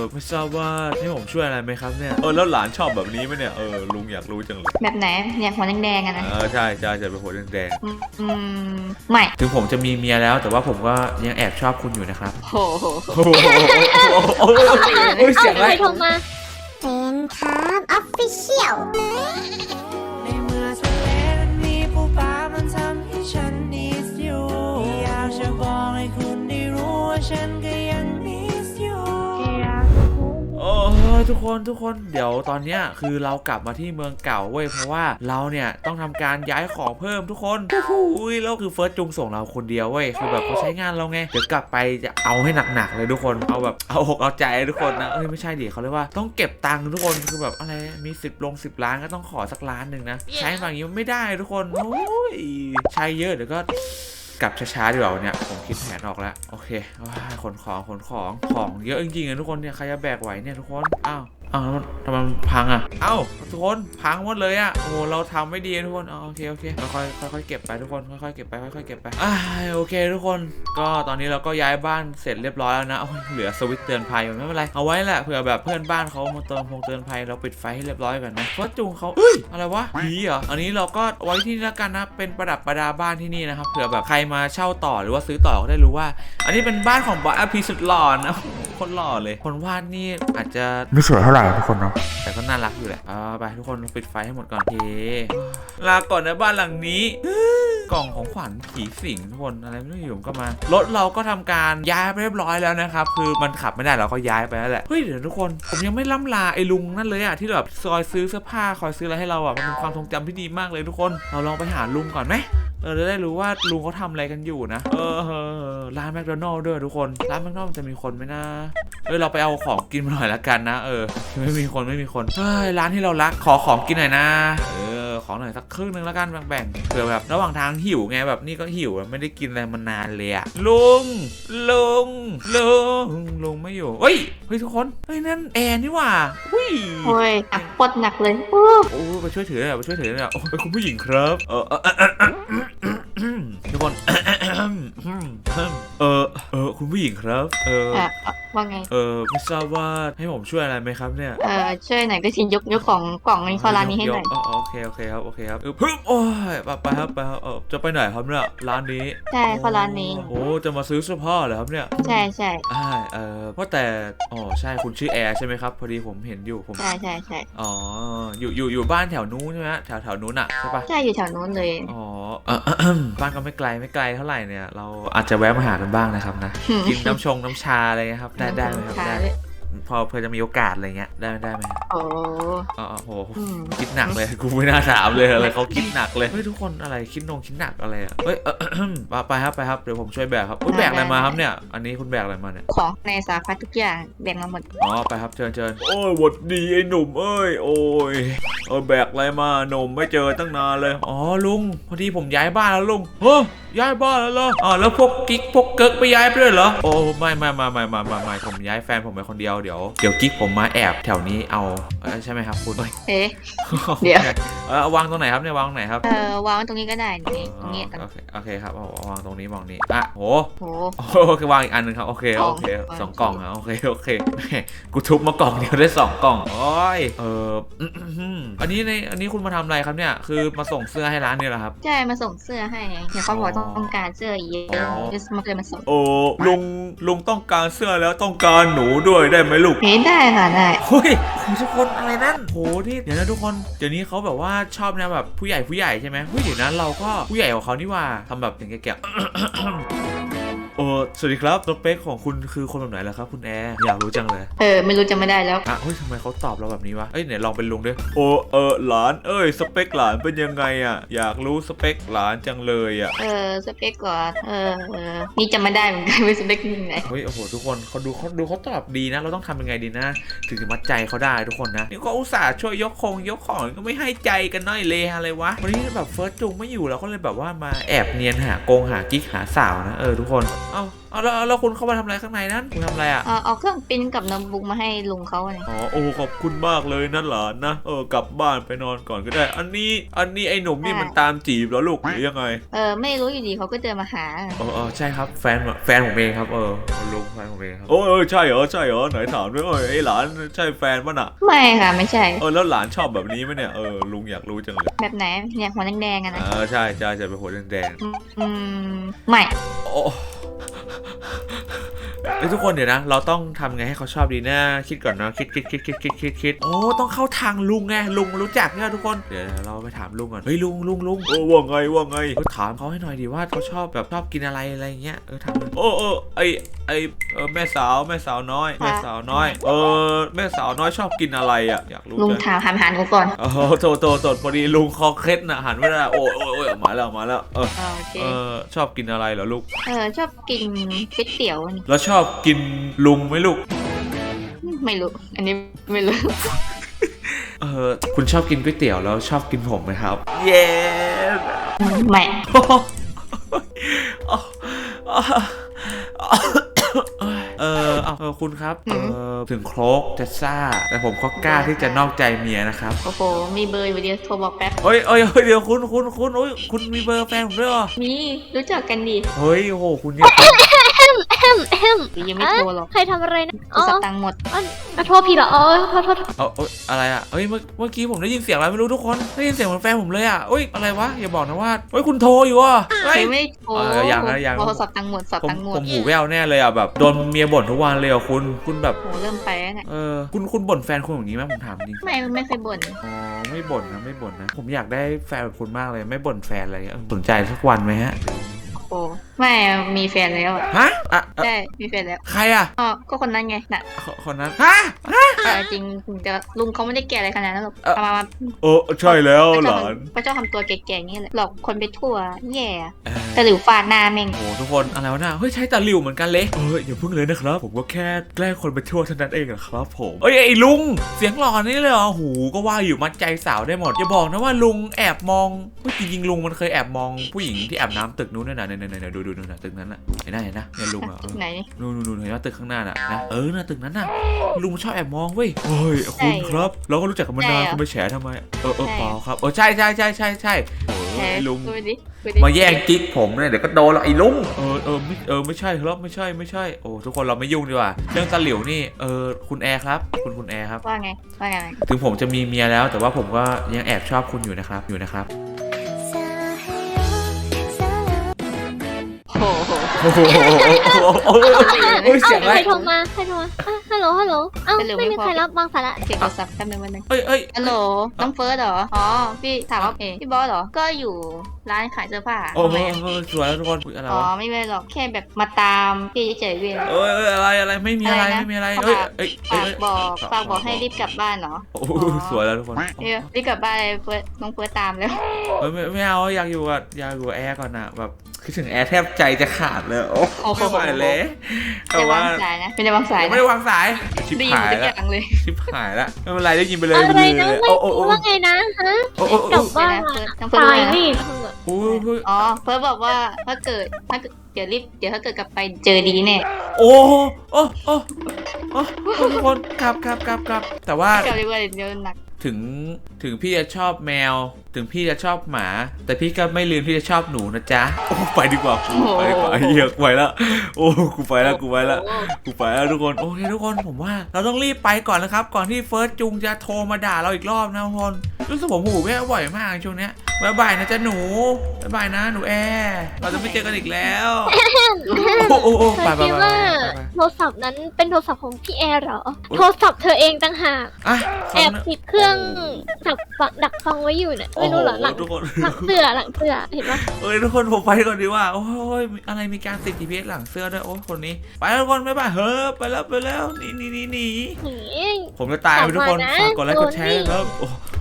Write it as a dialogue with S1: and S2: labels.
S1: ไม่ทราบว่าให้ผมช่วยอะไรไหมครับเนี่ยแล้วหลานชอบแบบนี้ไหมเนี่ยลุงอยากรู้จังเลย
S2: แบบไหนเนี่ยหัวแดงๆอะนะ
S1: ใช่ใช่จะเป็นหัวแดง
S2: อืไม่
S1: ถึงผมจะมีเมียแล้วแต่ว่าผมก็ยังแอบชอบคุณอยู่นะครับ
S2: โอ้โห
S1: โอ้ยเสียงอะไร
S3: โทรมาเป็นครับออฟฟิเชียล
S4: ในเมื่อทะเลนี้ผู้ฟ้ามันทำให้ฉันนิสอยู่อยากจะบอกให้คุณได้รู้ว่าฉันก็ยังนิสอยู่
S1: ทุกคนเดี๋ยวตอนเนี้ยคือเรากลับมาที่เมืองเก่าเว้ยเพราะว่าเราเนี่ยต้องทำการย้ายของเพิ่มทุกคนแล้วคือเฟิร์สจุงส่งเราคนเดียวเว้ยคือแบบเขาใช้งานเราไงเดี๋ยวกลับไปจะเอาให้หนักๆเลยทุกคนเอาแบบเอาอกเอาใจทุกคนนะไม่ใช่ดิเขาเรียกว่าต้องเก็บตังค์ทุกคนคือแบบอะไรมี10 ล้านก็ต้องขอสักล้านหนึ่งนะใช้แบบนี้ไม่ได้ทุกคนโอ้ยใช้เยอะเดี๋ยวก็กลับช้าๆดีกว่าเนี่ยผมคิดแผนออกแล้วโอเคขนของเยอะจริงๆทุกคนเนี่ยใครจะแบกไหวเนี่ยทุกคนอ้าวทำไมมันพังอ่ะทุกคนพังหมดเลยอ่ะโอ้เราทำไม่ดีทุกคนโอเคค่อยเก็บไปทุกคนค่อยๆเก็บไปโอเคทุกคนก็ตอนนี้เราก็ย้ายบ้านเสร็จเรียบร้อยแล้วนะเหลือสวิตช์เตือนภัยไม่เป็นไรเอาไว้แหละเผื่อแบบเพื่อนบ้านเขามาเตือนภัยเราปิดไฟให้เรียบร้อยก่อนนะเพราะจุงเขาอะไรวะผีเหรออันนี้เราก็ไว้ที่นี่แล้วกันนะเป็นประดับประดาบ้านที่นี่นะครับเผื่อแบบใครมาเช่าต่อหรือว่าซื้อต่อก็ได้รู้ว่าอันนี้เป็นบ้านของบอสพีสุดหล่อนะคนหล่อเลยคนวาดนี่อาจจะไม่สวยเท่าไหร่ทุกคนเนาะแต่ก็น่ารักอยู่แหละไปทุกคนปิดไฟให้หมดก่อนลาก่อนนะบ้านหลังนี้กล่องของขวัญผีสิงทุกคนอะไรไม่รู้อยู่ก็มารถเราก็ทำการย้ายไปเรียบร้อยแล้วนะครับคือมันขับไม่ได้เราก็ย้ายไปแล้วแหละเดี๋ยวทุกคนผมยังไม่ล่ำลาไอ้ลุงนั่นเลยอะที่แบบคอยซื้อเสื้อผ้าคอยซื้ออะไรให้เราอะมันเป็นความทรงจำที่ดีมากเลยทุกคนเราลองไปหาลุงก่อนไหมจะได้รู้ว่าลุงเขาทำอะไรกันอยู่นะร้านแมคโดนัลด์ด้วยทุกคนร้านแมคโดนัลด์จะมีคนไหมนะเราไปเอาของกินมาหน่อยละกันนะไม่มีคนร้านที่เรารักขอของกินหน่อยนะของหน่อยสักครึ่งนึงละกันแบ่งเผื่อแบบระหว่างทางหิวไงแบบนี่ก็หิวไม่ได้กินอะไรมานานเลยอะลุงไม่อยู่เฮ้ยทุกคนนั่นแอนนี่หว่า
S2: โอ้ยปวดหนักเลย
S1: ไปช่วยถือเลยคุณผู้หญิงครับทุกคนคุณผู้หญิงครับ
S2: ว่าไง
S1: ไม่ทราบว่าให้ผมช่วยอะไรไหมครับเนี่ย
S2: ช่วยหน่อยก็ชินยกของกล่องนี้เข้าร้านนี้ให้หน่อย
S1: โอเคครับโอ้ยไปครับจะไปไหนครับเนี่ยร้านนี้
S2: ใช่เข้าร้านนี้
S1: จะมาซื้อเสื้อผ้าเหรอครับเนี่ย
S2: ใช่
S1: ว่าแต่ใช่คุณชื่อแอร์ใช่ไหมครับพอดีผมเห็นอยู่ผม
S2: ใช่
S1: อยู่บ้านแถวนู้นใช่ไหมแถวนู้นอ่ะใช่ปะ
S2: ใช่อยู่แถวนู้นเลย
S1: บ้านก็ไม่ไกลเท่าไหร่เนี่ยเราอาจจะแวะมาหากันบ้างนะครับนะกินน้ำชาอะไรครับได้ไหมครับได้พอเพื่อจะมีโอกาสอะไรเงี้ยได้ไหม
S2: โ
S1: โหคิดหนักเลยกูไม่น่าถามเลยอะไรเขาคิดหนักเลยทุกคนอะไรคิดหนักอะไรไปครับเดี๋ยวผมช่วยแบกครับแบกอะไรมาครับเนี่ยอันนี้คุณแบกอะไรมาเนี่ย
S2: ของในสารพัดทุกอย่างแบกมาหมด
S1: ไปครับเชิญหวัดดีไอ้หนุ่มโอ้ยแบกอะไรมาหนุ่มไม่เจอตั้งนานเลยลุงพอดีผมย้ายบ้านแล้วลุงย้ายบ้านแล้วเหรอแล้วพวกกิ๊กพวกเกิร์กไปย้ายไปด้วยเหรอไม่ผมย้ายแฟนผมไปคนเดียวเดี๋ยวกิ๊กผมมาแอบแถวนี้เอาใช่ไหมครับคุณ
S2: เดี๋ยว
S1: วางตรงไหนครับเนี่ยวางตรงไหนครับ
S2: วางตรงนี้ก็ได้ตรงนี้
S1: โอเคครับวางตรงนี้มองนี้โหวางอีกอันนึงครับโอเค2 กล่องโอเคกูทุบมากล่องเดียวได้2 กล่องอันนี้คุณมาทำอะไรครับเนี่ยคือมาส่งเสื้อให้ร้านนี่เหรอครับ
S2: ใช่มาส่งเสื้อให้เดี๋ยวเขาบอกต้องการเสื้อเยอะมาเลยมาส่ง
S1: ลุงต้องการเสื้อแล้วต้องการหนูด้วยได้ไหมลูก
S2: ได้ค่ะได้
S1: ทุกคนอะไรนั่นที่เดี๋ยวนะทุกคนเดี๋ยวนี้เขาแบบว่าชอบนะแบบผู้ใหญ่ใช่ไหมเดี๋ยวนั้นเราก็ผู้ใหญ่กว่าเขานี่ว่าทำแบบอย่างแก่สวัสดีครับสเปคของคุณคือคนแบบไหนล่ะครับคุณแอร์อยากรู้จังเลย
S2: ไม่รู้จะไม่ได้แล้ว
S1: ทำไมเขาตอบเราแบบนี้วะไหนลองเป็นลุงด้วยหลานสเปคหลานเป็นยังไงอยากรู้สเปคหลานจังเลย
S2: สเปคก่อนนี่จะไม่ได้เหมือนกันเป็นสเปคยังไง
S1: ทุกคนเขาดูเขาตอบดีนะเราต้องทำยังไงดีนะถึงจะมัดใจเขาได้ทุกคนนะนี่ก็อุตส่าห์ช่วยยกของก็ไม่ให้ใจกันน้อยเลยอะไรวะวันนี้แบบเฟิร์สจุงไม่อยู่เราก็เลยแบบว่ามาแอบเนียนหากิ๊กหาสาวนะทุกคนเอาแล้วคุณเข้ามาทำอะไรข้างในนั้นคุณทำอะไรอ่ะ
S2: เอาเครื่องปริ้นกับโน้ตบุ๊กมาให้ลุงเขาเนี่ย
S1: อ๋อโอ้ขอบคุณมากเลยนะหลานนะกลับบ้านไปนอนก่อนก็ได้ อันนี้ไอ้หนุ่มนี่มันตามจีบเหรอลูกหรือยังไง
S2: ไม่รู้อยู่ดีเขาก็เดินมาหา
S1: ใช่ครับแฟนผมเองครับลุงแฟนผมเองครับใช่เหรอไหนถามด้วยไอ้หลานใช่แฟนป่ะน่ะ
S2: ไม่ค่ะไม่ใช่
S1: แล้วหลานชอบแบบนี้ไหมเนี่ยลุงอยากรู้จังเลย
S2: แบบไหนเนี่ยหัวแดงๆอะนะ
S1: ใช่จะเป็นหัวแดง
S2: ไม่
S1: ๆโอ้ทุกคนเดี๋ยวนะเราต้องทำไงให้เขาชอบดีนะคิดก่อนนะคิดโอ้ต้องเข้าทางลุงไงลุงรู้จักเนี่ยทุกคนเดี๋ยวเราไปถามลุงก่อนเฮ้ยลุงว่าไงถามเขาให้หน่อยดิว่าเขาชอบกินอะไรอย่างเงี้ยถามไอแม่สาวน้อยแม่สาวน้อยชอบกินอะไรอ่ะอยากรู้
S2: ลุงถามหากูก่อน
S1: โทษพอดีลุงคอเคล็ดนะหันไม่ได้โอ้ยมาแล้ว
S2: โอเค
S1: ชอบกินอะไรเหรอลูก
S2: ชอบกินก๋วยเตี๋ยวนี่
S1: แล้วชอบกินลุงไหมลูก
S2: ไม่รู้อันนี้ไม่รู้
S1: คุณชอบกินก๋วยเตี๋ยวแล้วชอบกินผมไหมครับ เย้
S2: ไม่
S1: คุณครับถึงโครกจะซ่าแต่ผมก็กล้าที่จะนอกใจเมียนะครับ
S2: โอ้โหมีเบอร์อยู่เดียวโทรบอกแป๊บ
S1: เฮ้ยเดี๋ยวคุณมีเบอร์แฟนผมด้วยเหรอ
S2: มีรู้จักกันดิ
S1: เฮ้ยโอ้โหคุณเนี่ย
S2: ยังไม่โทรหรอก
S5: ใครทำอะไรนะ
S2: กูสตังค์หมด
S5: โทษพี่เหรอโทษ
S1: อะไรอ่ะเมื่อกี้ผมได้ยินเสียงอะไรไม่รู้ทุกคนได้ยินเสียงเหมือนแฟนผมเลยอ่ะอะไรวะอย่าบอกนะว่าคุณโทรอยู่อ่ะ
S2: ไม่โทร
S1: ยัง
S2: โทรศัพท์ตังค์หมด
S1: ผมหูแว่วแน่เลยอ่ะแบบโดนเมียบ่นทุกวันเลยอ่ะคุณแบบ
S2: โหเริ่มไปแล้วเนี่ย
S1: คุณบ่นแฟนคุณอย่างนี้ไหมผมถามจริง
S2: ไม่เคยบ่น
S1: ไม่บ่นนะผมอยากได้แฟนแบบคุณมากเลยไม่บ่นแฟนอะไรสนใจสักวันไหมฮะ
S2: โอ้ไม่มีแฟนแล้ว
S1: ฮะ
S2: ใช่มีแฟนแล้ว
S1: ใครอ่ะ
S2: ก็คนนั้นไงน่ะ
S1: คนนั้นฮะ
S2: จริงแต่ลุงเขาไม่ได้แก่อะไรขนาดนั้นหรอกมา
S1: ใช่แล้วหลาน
S2: พระเจ้าทำตัวแก่ๆงี้แหละหลอกคนไปทั่วแย่แต่หลิวฟาดหน้าแม่ง
S1: โอ้ทุกคนอะไรวะน่ะเฮ้ยใช่ตาหลิวเหมือนกันเลยอย่าเพิ่งเลยนะครับผมก็แค่แกล้งคนไปทั่วเท่านั้นเองนะครับผมไอ้ลุงเสียงหล่อนี่เลยเหรอหูก็ว่าอยู่มัดใจสาวได้หมดอย่าบอกนะว่าลุงแอบมองจริงๆลุงมันเคยแอบมองผู้หญิงที่แอบน้ำตึกนู้นน่ะเนี่ยดูน่ะตึกนั้นน่ะเห็นนะเนี่ยลุงอ่ะ
S2: ไหน
S1: นู่นเห็นว่าตึกข้างหน้าน่ะนะน่ะตึกนั้นน่ะลุงชอบแอบมองเว้ยเฮ้ยคุณครับเราก็รู้จักกันมานานคุณไปแฉทำไมเปล่าครับใช่โอ้ยลุงมาแย่งกิ๊กผมเนี่ยเดี๋ยวก็โดนหรอกไอ้ลุงไม่ใช่ครับไม่ใช่โอ้ทุกคนเราไม่ยุ่งดีกว่าเรื่องตาหลิวนี่คุณแอร์ครับคุณแอร์ครับ
S2: ว่าไง
S1: ถึงผมจะมีเมียแล้วแต่ว่าผมก็ยังแอบชอบคุณอยู่นะครับ
S2: โอ้โห
S1: เสียงอะไร
S5: ใครโทรมาฮัลโหลไม่มีใครรับบางสาระ
S2: เก็บโทรศัพท์แป๊บนึงวันนึง ฮัลโหลน้องเฟิร์สเหรอพี่ถามว่าพี่บอสเหรอก็อยู่ร้านขายเสื้อผ้า
S1: สวยแล้วทุกคนอะไรวะ
S2: ไม่เป็นหรอกแค่แบบมาตามพี่เฉยๆเว้ย
S1: อะไรไม่มีอะไรฝ
S2: ากบอกให้รีบกลับบ้านเหรอ
S1: สวยแล้วทุกคน
S2: รีบกลับบ้านเลยเฟิร์สน้องเฟิร์สตามแล้ว
S1: ไม่เอาอยากอยู่กับแอร์ก่อนนะแบบคิดถึงแอร์แทบใจจะขาดเลยโอ้ไม่ไหวเลย
S2: แต่ว่าไม่ได้วางสาย
S1: ไม่ได้วางสายชิบหายแล้วไม่เป็นไรได้ยินไปเลย
S5: อะไรนะว่าไงนะฮะกลับบ้านตายนี่
S2: เฟิร์สบอกว่าถ้าเกิดเดี๋ยวถ้าเกิดกลับไปเจอดีแน่
S1: โอ้ทุกคนครับแต่ว่าก
S2: ลับดีกว่าเดี๋ยวหนัก
S1: ถึงพี่จะชอบแมวถึงพี่จะชอบหมาแต่พี่ก็ไม่ลืมที่จะชอบหนูนะจ๊ะไปดีกว่าเฮียกูไปแล้วกูไปแล้วทุกคนโอเคทุกคนผมว่าเราต้องรีบไปก่อนนะครับก่อนที่เฟิร์สจุงจะโทรมาด่าเราอีกรอบนะทุกคนรู้สึกผมหูแว่วบ่อยมากช่วงนี้บ๊ายบายนะจ๊ะหนูบ๊ายบายนะหนูแอร์เราจะไม่เจอกันอีกแล้ว
S5: ไปว่าโทรศัพท์นั้นเป็นโทรศัพท์ของพี่แอร์เหรอโทรศัพท์เธอเองต่างหากแอบติดเครื่องดักฟังไว้อยู่เนี่ยไม่รู้เหรอหลังเสื้อเห็นปะ
S1: ทุกคนผมไปก่อนดีว่าโอ้ยอะไรมีการติด GPS หลังเสื้อด้วยโอ้คนนี้ไปทุกคนบ๊ายบายไปแล้วหนีผมจะตายไปทุกคนฝากกดไลค์กดแชร์ครับ